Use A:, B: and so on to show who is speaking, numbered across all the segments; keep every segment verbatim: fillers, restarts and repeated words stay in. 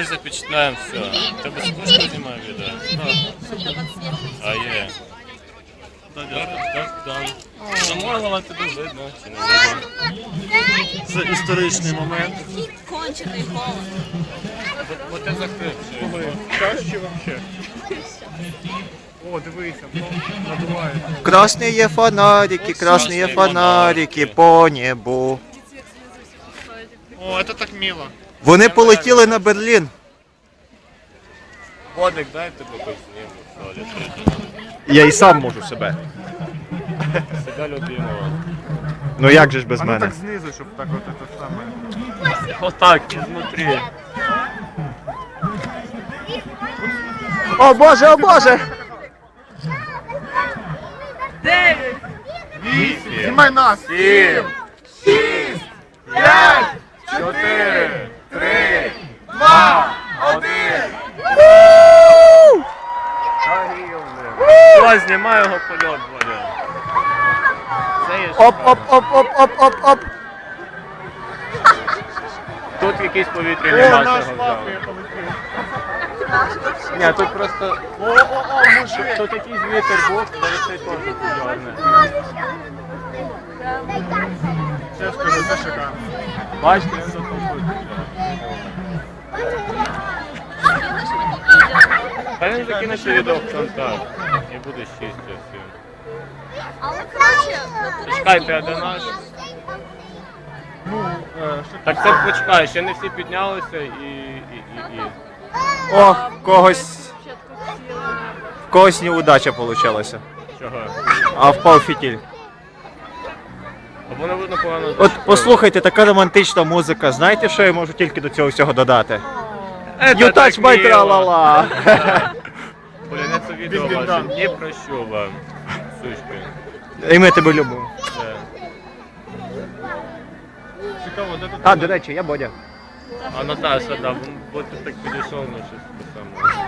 A: ми запечатляємо все. Тебе скучно знімає відео? А є. Замовила тебе видно, чи не видно.
B: Це історичний момент.
C: Кончений голос.
A: Бо ти закрив.
B: Краще вообще. О, дивися, надуває.
D: Красные фонарики, красные фонарики по небу.
B: О, это так мило.
D: Вони полетіли на Берлін.
A: Водик, дай тебе позніму.
D: Я і сам можу себе.
A: Себя любимого.
D: Ну як же ж без
B: А ну
D: мене?
B: так знизу, щоб так от це саме.
A: Отак, ізнутрі.
D: О боже, о боже!
C: Дев'ять.
B: Знімай нас!
A: Сім, шість, п'ять, чотири, три, два, один. Ось, знімай його польот, Бодя. Це є
D: Оп, оп, оп, оп, оп, оп, оп.
A: Тут якийсь повітряний
B: О,
A: мас
B: наш
A: його
B: лапи
A: взяв.
B: полетів.
A: Ні, тут просто...
B: О, о, о, мужик.
A: Тут якийсь вітер був, зараз цей теж підйорне.
B: Це скажу, це шикарно.
A: Бачите, він затопив. Та він закине це відео в контакт. І буде щастя всім.
C: Але краще.
A: Чекайте, а де наш?
B: Ну, е, що
A: Так це почекай, ще не всі піднялися і... і, і, і.
D: О, когось. В когось неудача получилася.
A: Чого?
D: А впав фітіль.
A: Або не видно погано.
D: От послухайте, така романтична музика. Знаєте, що я можу тільки до цього всього додати? You touch my tra-la-la.
A: Блін, я це відео
B: Він
A: ваше.
B: дам.
A: Не прощу вам, сучки.
D: І ми тебе любимо.
A: Це.
B: цікаво, де тут?
D: А, до речі, я Бодя.
A: А Наташа, да, бо ти так підійшов на щось таке саме.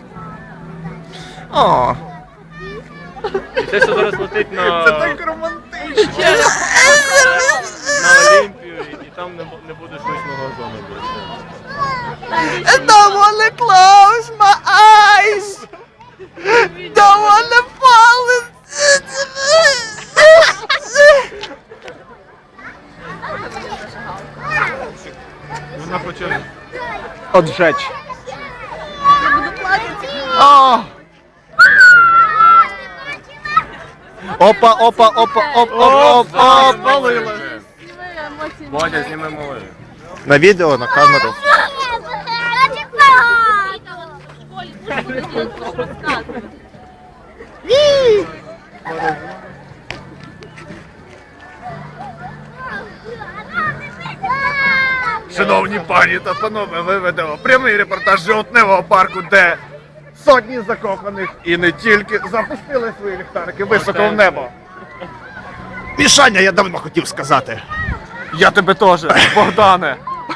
D: О,
A: І це все зараз летить на,
B: Це так романтично.
A: на Олімпію, і, і там не, бу- не буде штучного зону більше.
D: don't wanna close my eyes. Don't wanna fall.
B: Вона хоче...
D: Отжечь.
C: Буду плакати.
D: О! Опа, опа, опа, оп, оп, оп, оп.
A: Бодя, зніми малий.
D: На відео, на камеру.
B: Шановні пані та панове, ви ведемо прямий репортаж з жовтневого парку, де сотні закоханих і не тільки запустили свої ліхтарики високо в небо.
D: Мішаня, я давно хотів сказати.
B: Я тебе теж, Богдане.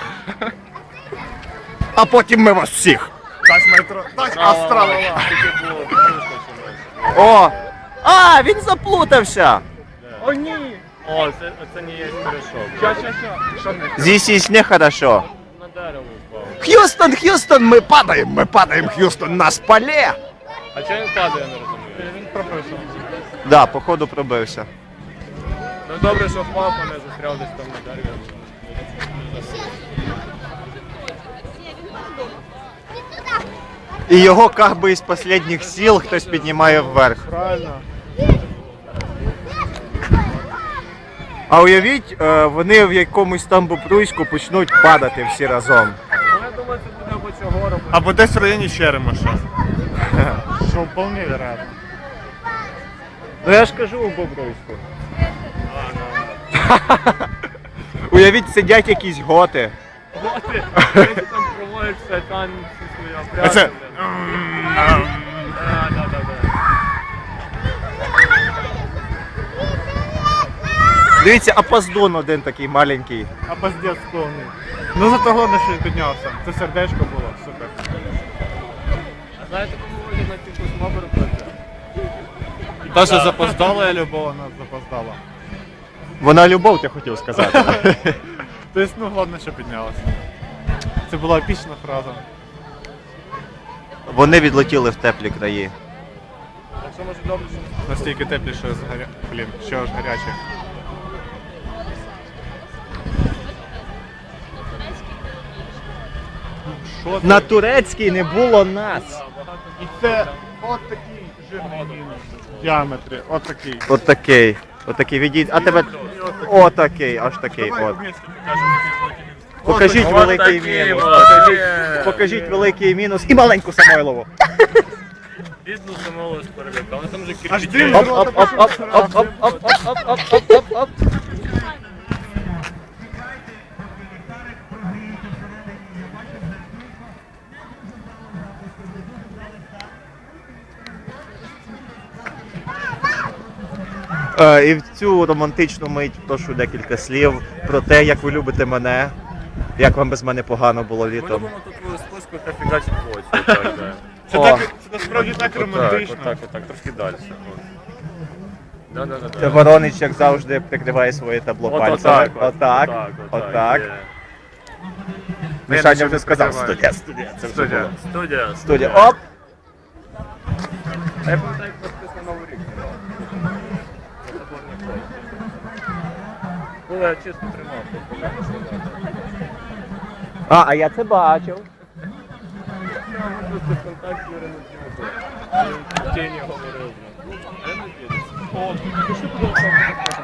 D: А потім ми вас всіх.
B: Тач метро, тач астралова.
A: Тільки було пушка чи
D: О! А, він заплутався.
B: О, ні.
A: О, це, це не є пиріжок.
B: Ща, ща, ща. Що не?
D: Здесь есть нехорошо.
A: На дерево впав.
D: Хьюстон, Хьюстон, мы падаем, мы падаем, Хьюстон, нас поле.
A: А чого він падає, я не розумію?
B: Він прописав.
D: Да, походу пробився.
A: Ну добре, що впав, а не застряв десь там на дереві.
D: І його как би із останніх сил хтось піднімає вверх.
B: Правильно.
D: А уявіть, е, вони в якомусь там бобруйську почнуть падати всі разом.
A: Ну я думаю, це буде або цього року.
B: Або десь в районі Черемоша. Що вполне вероятно.
D: Ну я ж кажу у бобруйську. Уявіть, сидять якісь готи.
A: Готи, вони там проводяться танці свої
B: А це...
A: опряди. Да, да, да, да.
D: Дивіться, апоздон один такий маленький.
B: А пиздец повний. Ну зато головне, що він піднявся. Це сердечко було, супер.
A: А знаєте, кому вийде на піку смобер пити?
B: Та, що запоздала, я любов, вона запоздала.
D: Вона любов, ти хотів сказати.
B: Тобто, ну, головне, що піднялася. Це була епічна фраза.
D: Вони відлетіли в теплі краї.
A: Якщо може добре, що
B: Настільки теплі, що згаря... Блін, що ж гаряче. Що ти?
D: На турецькій не було нас.
B: І це от такий жирний мінус в діаметрі, от такий.
D: Отакий. Отакий відійд. А тебе. Отакий, аж такий.
B: Давай
D: От.
B: вместе покажемо.
D: Покажіть
A: От
D: великий
A: такий
D: мінус.
A: от.
D: Покажіть,
A: Є.
D: покажіть великий мінус і маленьку Самойлову.
A: бідну самого з переліка. Вони там вже
B: Аж
A: кирпичі.
B: дим
D: Оп, оп, оп, оп, оп, оп, оп, оп, оп, оп, оп, оп. Е, І в цю романтичну мить прошу декілька слів про те, як ви любите мене, як вам без мене погано було
A: Ми
D: літом.
A: любимо тут твою списку та фігачить в очі. Отак, да.
B: Це,
D: О.
B: так, це насправді так
A: Отак,
B: романтично.
A: Отак, отак, трошки далі. От. Да, да, да,
D: Це
A: да.
D: Воронич, як завжди, прикриває своє табло
A: От
D: пальцями.
A: отак,
D: Отак,
A: отак,
D: отак.
A: є.
D: Мішаня вже сказав, студія, студія, це вже
B: Студія.
D: було.
A: Студія.
D: Студія, оп!
A: А я пам'ятаю, як вас на Новий рік тримав. Коли я чесно тримав.
D: А, а я це бачив.
A: Просто в контакті Юрина Тімофія. Тіні говорив. Я не вірю.